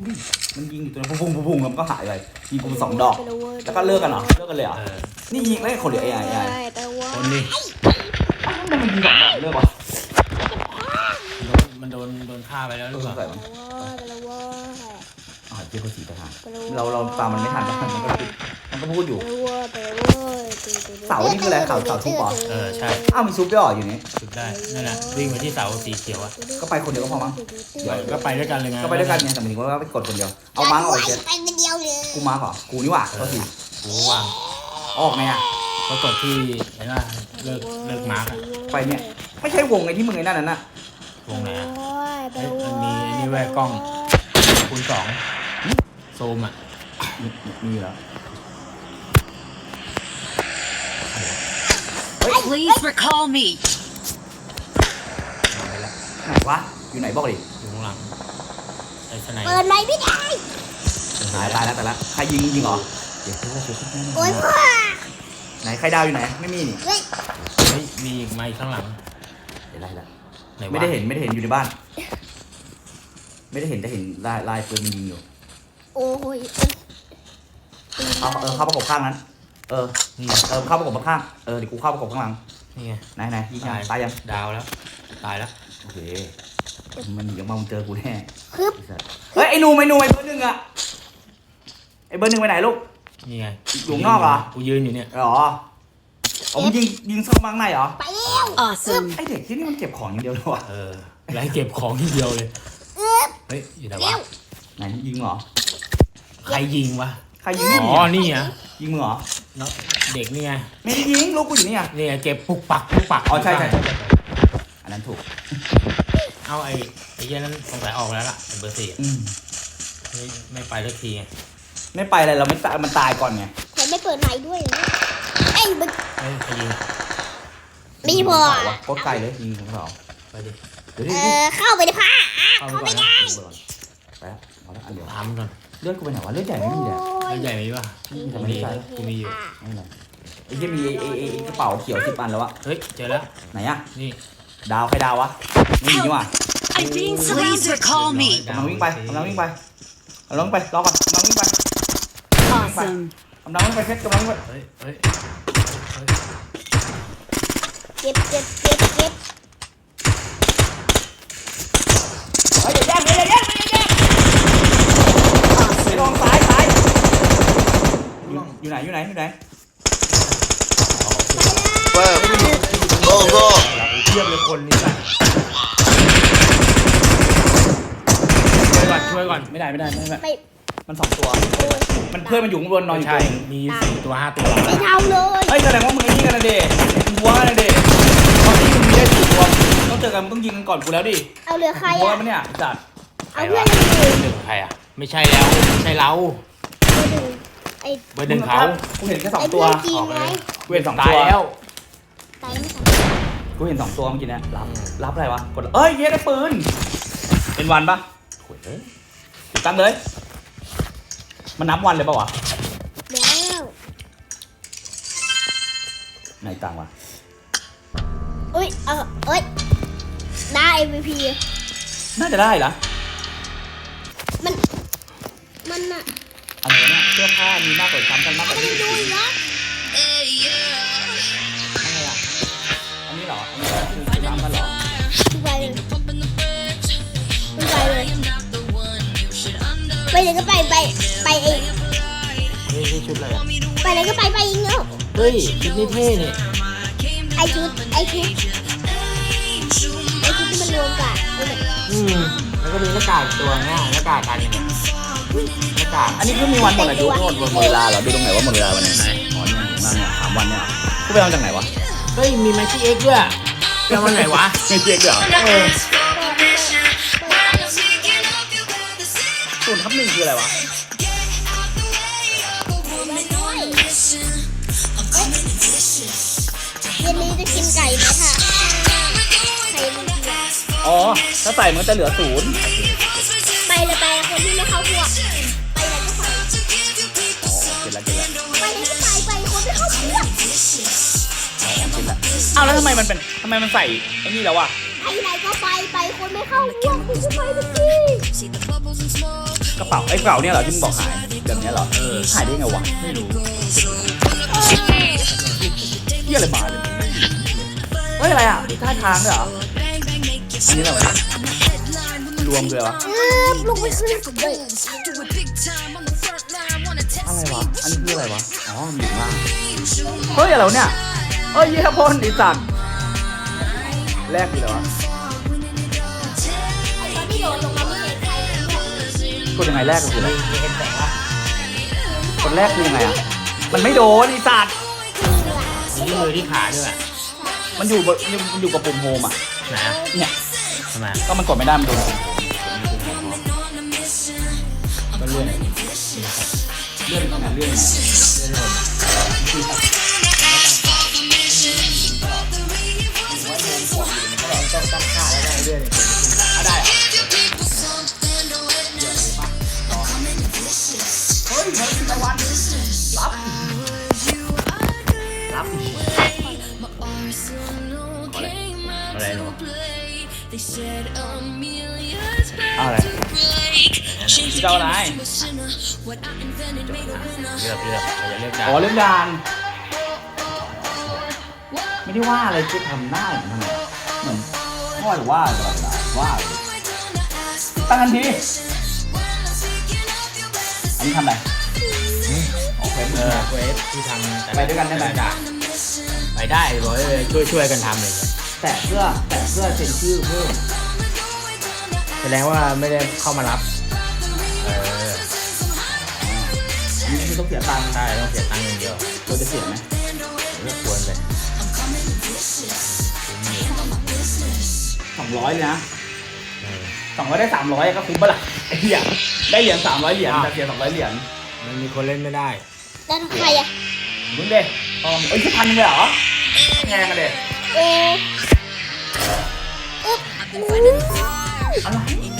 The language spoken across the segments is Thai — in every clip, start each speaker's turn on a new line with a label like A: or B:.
A: มันยิงอยู่ตัวนั้นพุ่งแล้วมันก็หายไปยิงกู2 ดอกแล้วก็เลิกกันเหรอเลิกกันเลยเหรอนี่ยิงไม่คนเดียวไอ้
B: คนนี้
A: มันยิง2 ดอกเลิกวะ
B: มันโดนฆ่าไปแล้วหรือเปล่า
A: เจ้าก็สีทหารเราตามมันไม่ทันมันก็พูดอยู่เสานี่คืออะไรเสาทุบเหรอ
B: ใช่
A: อ้าวมีซุปด้วยเหรออยู่นี่
B: ซุปได้นั่นแหละวิ่งไปที่เสาสีเขียวอ่ะ
A: ก็ไปคนเดียวก็พอมั้ง
B: ก็ไปด้วยกันเลยไง
A: ก็ไปด้วยกันไงแต่หมายถึงว่าไปกดคนเดียวเอามาร์กออกไปเช็ด
C: ไปคนเดียวเลย
A: กูมาร์กเหรอกูนี่หว่าก็สิ
B: กูว่าง
A: ออกไงอ่ะ
B: เขากดที่ไหนล่ะเลิกมาร์ก
A: ไปเนี่ยไม่ใช่วงไอ้ที่มึงไอ้นั่นน่ะ
B: วงไหนมันมีนี่แวกกล้องคูณ 2ซูมอ่ะ
A: มีแล้ว
D: Please recall me
A: ไหนวะอยู่ไหนบอกดิ
B: อยู่ข้างหลังไอ้สไน
C: เปิดไม่ได้
A: ตายแล้วแต่ละใครยิงเหรอเดี๋ยว
C: โอ๊ยพ่อ
A: ไหนใครดาวอยู่ไหนไม่มีนี่
B: มีอีกไหมข้างหลัง
A: เห็นอะไรไม่ได้เห็นอยู่ในบ้านไม่ได้เห็นแต่เห็นลายปืนยิงอยู่
C: โอ้ย
A: เข้าประกบข้างนั้นเข้าประกบข้างเดี๋ยวกูเข้าประกบข้างหลัง
B: นี่ไง
A: ไหนยิงตายยัง
B: ดาวแล้วตายแล้ว
A: โอเคมันเดี๋ยวมาเจอกูแน่
C: เ
A: ฮ้ยไอ้หนูไอ้เบอร์ 1อะไอ้เบอร์ 1ไปไหนลูก
B: นี่ไง
A: อยู่นอกเหรอ
B: กูยืนอยู่เนี่ย
A: อ๋อมึงยิงซ่อมมังในเหรอ
C: ไปแล้ว
A: ไอเด็กที่นี่มันเก็บของอย่างเดียวเลยวะ
B: ไล่เก็บของทีเดียวเลยเฮ้ยอยู่ไหนวะ
A: ไหนยิงเหรอ
B: ใครยิงวะ
A: ใครยิง
B: นี่อ่ะ
A: ยิงมึงเหรอ
B: เด็กนี่ไง
A: ไม่ได้ยิงลูกกูอยู่นี่
B: นี่เก็บปุกปัก
A: อ๋อใช่อันนั้นถูก
B: เอาไอ้เหี้ยนั้นสงสัยออกแล้วล่ะเบอร์ 4ไม่ไปสักที
A: ไม่ไปอะไรเราไม่มันตายก่อนไง
C: แต่ไม่เปิดไหนด้วยไอ้มัน
B: ใครยิง
C: ไม่พอ
A: โคตรไกลเลยยิงของเรา
B: ไปดิ
C: เข้าไปในผ้าเข้าไม่ได้
A: ไปแล้วเอาละอันเดียว
B: ทำก่อน
A: เลือดกูไปไหนวะเลือดใหญ่ไม่มีเลย
B: เลือดใหญ่ไหมวะ
A: ไม่มี
B: กูมีอยู่
A: ไม่เป็นไรไอ้ที่มีไอ้กระเป๋าเขียว10 อันแล้ววะ
B: เฮ้ยเจอแล้ว
A: ไหนอะ
B: นี่
A: ดาวใครดาววะไม่มีว่ะ
D: Please recall me
A: กำลังวิ่งไปรอก่อนกำลังวิ่งไป
D: Awesome
A: กำลังวิ่งไปเพชรกำลังวิ่งไป
B: เฮ้ย
C: เก็บ
A: เฮ้ยอย่าแย่งไปลองซ้ายอยู่ไหน
E: เปิดโก้
B: เทียบเลยคนนี้ไปช่วยก่อนไม่ได้มัน2 ตัวมันเพื่อนมันอยู่ข้างบนนอนอยู่มี4 ตัว 5 ตัว
C: ไม่เท่าเลย
A: เฮ้ยแสดงว่ามึงไอ้นี่กันนะเดมึงวัวกันนะเดตอนนี้มึงมีได้4 ตัวต้องเจอกันมึงต้องยิงกันก่อนกูแล้วดิ
C: เอาเรือใคร
A: วัวมันเนี่ยจัด
C: เอาเพื่อน
B: 1ใครอ่ะไม่ใช่แล้วไม่ใช่เราเบอร์ 1เขา
A: กูเห็นแค่2 ตัวกูเห็น2 ตัว
B: แล้ว
A: กูเห็น2 ตัวเมื่อกี้เนี่ยรับอะไรวะกดเอ้ยเย้ได้ปืนเป็นวันปะโอ้ยตั้งเลยมันนับวันเลยปะวะ
C: แล้ว
A: ไหนตังวะ
C: ได้ MVP
A: น่าจะได้เหรอ
C: มันอะ
A: อะไรเนี่ยเสื้อผ้ามีมากกว่าซ้ำกันมากกว่าที่
C: ดูอีกแล้ว
A: อะไรอ่ะอันนี้เหรอคือน้ำกันเหรอ
C: ไปเลยก็ไปเอง
B: นี่ชุดอะไร
C: ไปเลยก็ไปเองเนาะ
B: เฮ้ยชุดนี้เท่เนี่ย
C: ไอชุดที่มันรวมกัน
B: แล้วก็มีหน้ากากตัวเนี่ยหน้ากากกันเนี่ยหน้ากาก
A: อันนี้คือมีวันหมดอายุหมดเวลาเหรอดูตรงไหนว่าหมดเวลาวันไหนอ๋อเนี่ยถึงบ้านเนี่ย3 วันเนี่ยกูไปเอาจากไหนวะ
B: เฮ้ยมีแมชชี่เอ็กด้วยไปเอาวันไหนวะ
A: ไม่เจ๊กเหรอ0/1คืออะไรวะ
C: เย็นนี้จะกินไก่ไหมค่ะ
A: อ๋อถ้าใส่มันจะเหลือ0
C: ไปเลยคนที่ไม่เข้าพวกไปเลยก็ไป
A: เสร็จแล้ว
C: ไปเลยก็ไปคนไม่เข้าพวก
A: เอาแล้วทำไมมันใส่ไอ้นี่แล้ววะ
C: ไหนก็ไปคนไม่เข้าพวกคุณก็ไปทุกที
A: กระเป๋าไอ้กระเป๋าเนี่ยเหรอที่มึงบอกหายแบบเนี้ยเหรอหายได้ไงวะ
B: ไม่รู้
A: เหี้ยอะไรมาเลยเฮ้ยอะไรอ่ะมีท่าทางด้วยเหรออันนี้อะไรวะรวมเลยวะ
C: ลงไปขึ้นเลย
A: อะไรวะอันนี้คืออะไรวะอ๋อมีมากเฮ้ยอะไรวะเนี่ยเฮ้ยเยี่ยพ่นไอ้สัตว์แรกคืออะไรวะ
C: ตอนที่โดนลงมาไม่เห็นใครเลยเนี่ย
A: กดยังไงแรกก็คืออะไร
B: มีเห็นแสงวะ
A: กดแรกคือยังไงอ่ะมันไม่โดนไอ้สัตว์
B: มีที่มือที่ขาด้วยอะ
A: มันอยู่กับปุ่มโฮมอ่ะ
B: นะ
A: เนี่ย
B: ทำไม
A: ก็มันกดไม่ได้มันโดนปุ่มโฮม
B: ก็เลื่อน
A: เลื่อนยังไงเลื่อนยังไง
B: เลื่อนลงต้องตั้งค่าแล้วได้เลื่อน
A: อ่ะได้เหรอเฮ้ยเฮ้ยตะวันรับรับ
B: อะไรหนู
A: เอาอะไรจะเอาอะไร
B: เลือกเราจะเลือกได้
A: อ๋อเรื่องการไม่ได้ว่าอะไรคือทำได้เหมือนพ่อหรือว่าตลอดเวลาว่าเลยตั้งทันทีอันนี้ทำอะไรโอเค
B: เวฟที่ทำ
A: ไปด้วยกันได้ไหม
B: ไปได้บอกเลยช่วยกันทำเลย
A: แต่เพื่อเซ็นชื่อเพิ่ม
B: แสดงว่าไม่ได้เข้ามารับเออ
A: อันนี้คือต้องเสียตังค์
B: ใช่ต้องเสียตังค์อย่างเดียว
A: เราจะเสียไหม
B: เลือกควรเลย
A: 200เลยนะ200ได้300ก็คุ้มปะล่ะไอ้เหี้ยได้เหรียญ300เหรียญแต่เสีย200เหรียญ
B: มันมีคนเล่นไม่ได้
C: แล้วใครอะ
A: มึงเด้เอ้ยแค่1,000เลยเหรอแพงกันเด้
C: เออ
A: อะไร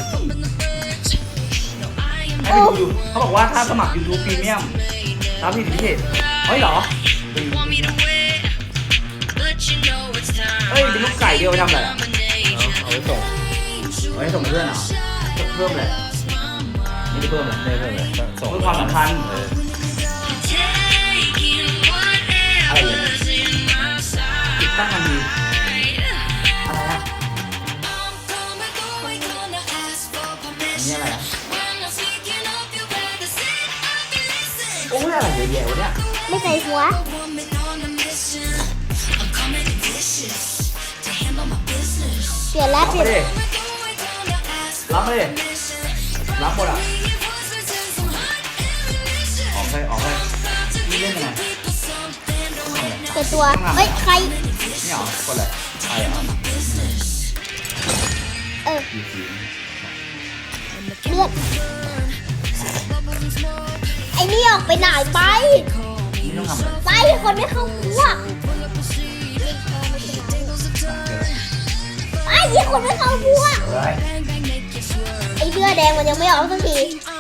A: ให้ไปดูอยู่เขาบอกว่าถ้าสมัคร YouTube Premium รับสิทธิพิเศษเฮ้ยเหรอเฮ้ยเป็นลูกไก่เดียวไปทำอะไรอ่ะ
B: เอาไว้ส่ง
A: ไว้ส่งเพื่อนเหรอเพิ่มเลยไม่ได้เพิ่มเลย
B: ได้เพิ่มเลยส่ง
A: เพื่อความสัมพันธ์อะไรอย่างเงี้ยติดตั้งทันทีอะไรอ่ะอันนี้อะไรอ่ะโอ้ยอะไรเยอะแยะวะเนี่ย
C: ไม่ใส่หัว เปลี่ยนแล้ว
A: รับ
C: เปลี่
A: ไป
C: ยน
A: ดิรับไปดิรับหมดอ่ะออกไปนี่เล่นยังไง
C: เปลี่ยนตัว เฮ้ย ใคร
A: นี่เหรอกดเลยใครอ่ะ
C: เออ
A: ดีสี
C: เลือดไอ้นี่ออกไปไหนไป
A: นี่ต้องทำอะไร
C: ไปคนไม่เข้าพวกไอ้ยี่คนไม่เข้าพวก
A: เฮ้ย
C: ไอ้เสื้อแดงมันยังไม่ออกสักที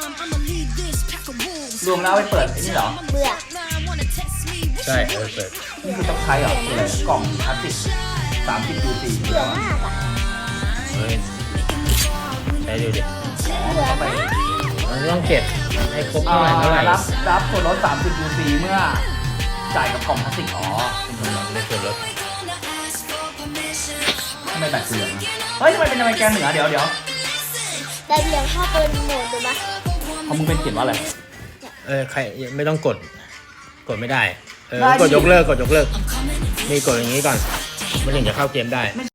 A: รวมแล้วเอาไปเปิดไอ้นี่เหรอ
C: เบื่อ
B: ใช่เปิด
A: นี่คือต้องใช้เหรอคืออะไรกล่องพลาสติก30 UC
C: เบื่อมากอะ
B: เฮ้ยใช้ดูดิ
C: เบื่อ
A: เข้าไป
C: มาก
B: มันต้องเก็บให้ครบเท่าไหร่
A: รับส่วนลด30 UC เมื่อจ่ายกับกล่องพลาสติกอ๋อเป็นส่วนลด
B: ในส่วนลด
A: ทำไมแบตเหลืองเฮ้ยทำไมเป็นอเมริกันเหนือเดี๋ยว
C: ได้เรียงเข้าเป็นโหมดดูไหม
A: ของมึงเป็นเขียนว่าอะไร
B: ใครไม่ต้องกดไม่ได้
A: ได้ดิ
B: กดยกเลิกนี่กดอย่างนี้ก่อนมันถึงจะเข้าเกมได้